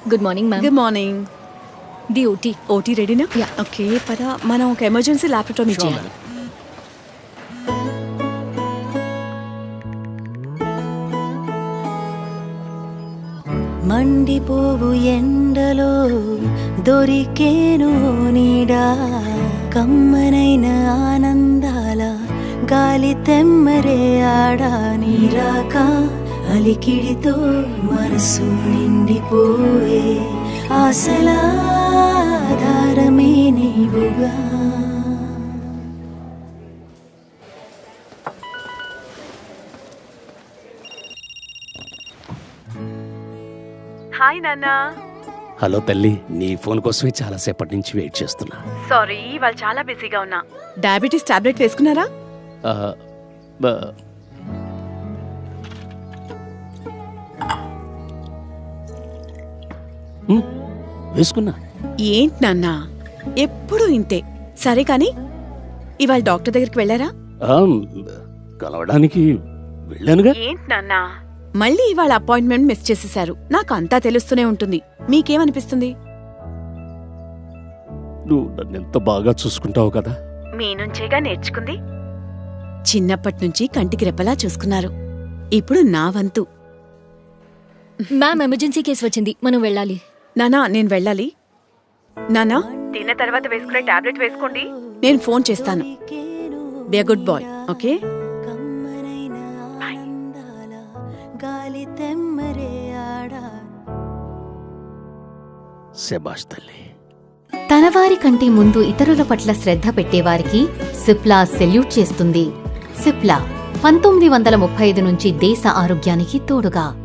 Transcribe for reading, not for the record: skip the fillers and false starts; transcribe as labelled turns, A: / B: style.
A: Good morning ma'am.
B: Good morning.
A: The OT.
B: OT రెడీనా?
A: Yeah.
B: Okay పద, మనం ఒక ఎమర్జెన్సీ ల్యాప్టాప్ చేయాలి.
C: మండిపోవు ఎండలో దొరికేను నీడా, కమ్మనైన ఆనందాల గాలి తెమ్మరే ఆడా, నీరాక అలికిడితో మనసు నిండిపోయే ఆశల ఆధారమే నీవుగా.
B: హాయ్ నాన్న.
D: హలో తల్లి, నీ ఫోన్ కోసమే చాలాసేపటి నుంచి వెయిట్ చేస్తున్నా.
B: సారీ, వాళ్ళు చాలా బిజీగా ఉన్నా. డయాబెటీస్ టాబ్లెట్ వేసుకున్నారా?
D: ఆ, బ- ఉమ్, వేసుకున్నా.
B: ఏంటి నాన్న ఎప్పుడు ఇంతే. సరే కానీ ఇవాళ డాక్టర్ దగ్గరికి వెళ్ళారా?
D: ఆ, కలవడానికి వెళ్ళానుగా.
B: ఏంటి నాన్న మళ్ళీ ఇవాళ అపాయింట్మెంట్ మిస్ చేసేశారు. నాకు అంతా తెలుస్తూనే ఉంటుంది. మీకేమనిపిస్తుంది?
D: నువ్వు నన్ను ఎంత బాగా చూసుకుంటావు కదా.
B: మీ నుంచేగా నేర్చుకుంది. చిన్నప్పటి నుంచి కంటికి రెప్పలా చూసుకున్నారు. ఇప్పుడు నా వంతు.
A: మ్యామ్ ఎమర్జెన్సీ కేసు వచ్చింది, మనం వెళ్ళాలి.
B: నానా నేను వెళ్ళాలి. నానా తిన్న తర్వాత వేసుకునే టాబ్లెట్ వేసుకోండి. నేను ఫోన్ చేస్తాను. Be a good boy. Okay.
C: కమ్మనైన ఆనందాల గాలి తెమ్మరే ఆడా.
D: శభాష్ తల్లి.
E: తనవారి కంటే ముందు ఇతరుల పట్ల శ్రద్ధ పెట్టేవారికి సిప్లా సెల్యూట్ చేస్తుంది. సిప్లా 1935 నుంచి దేశ ఆరోగ్యానికి తోడుగా.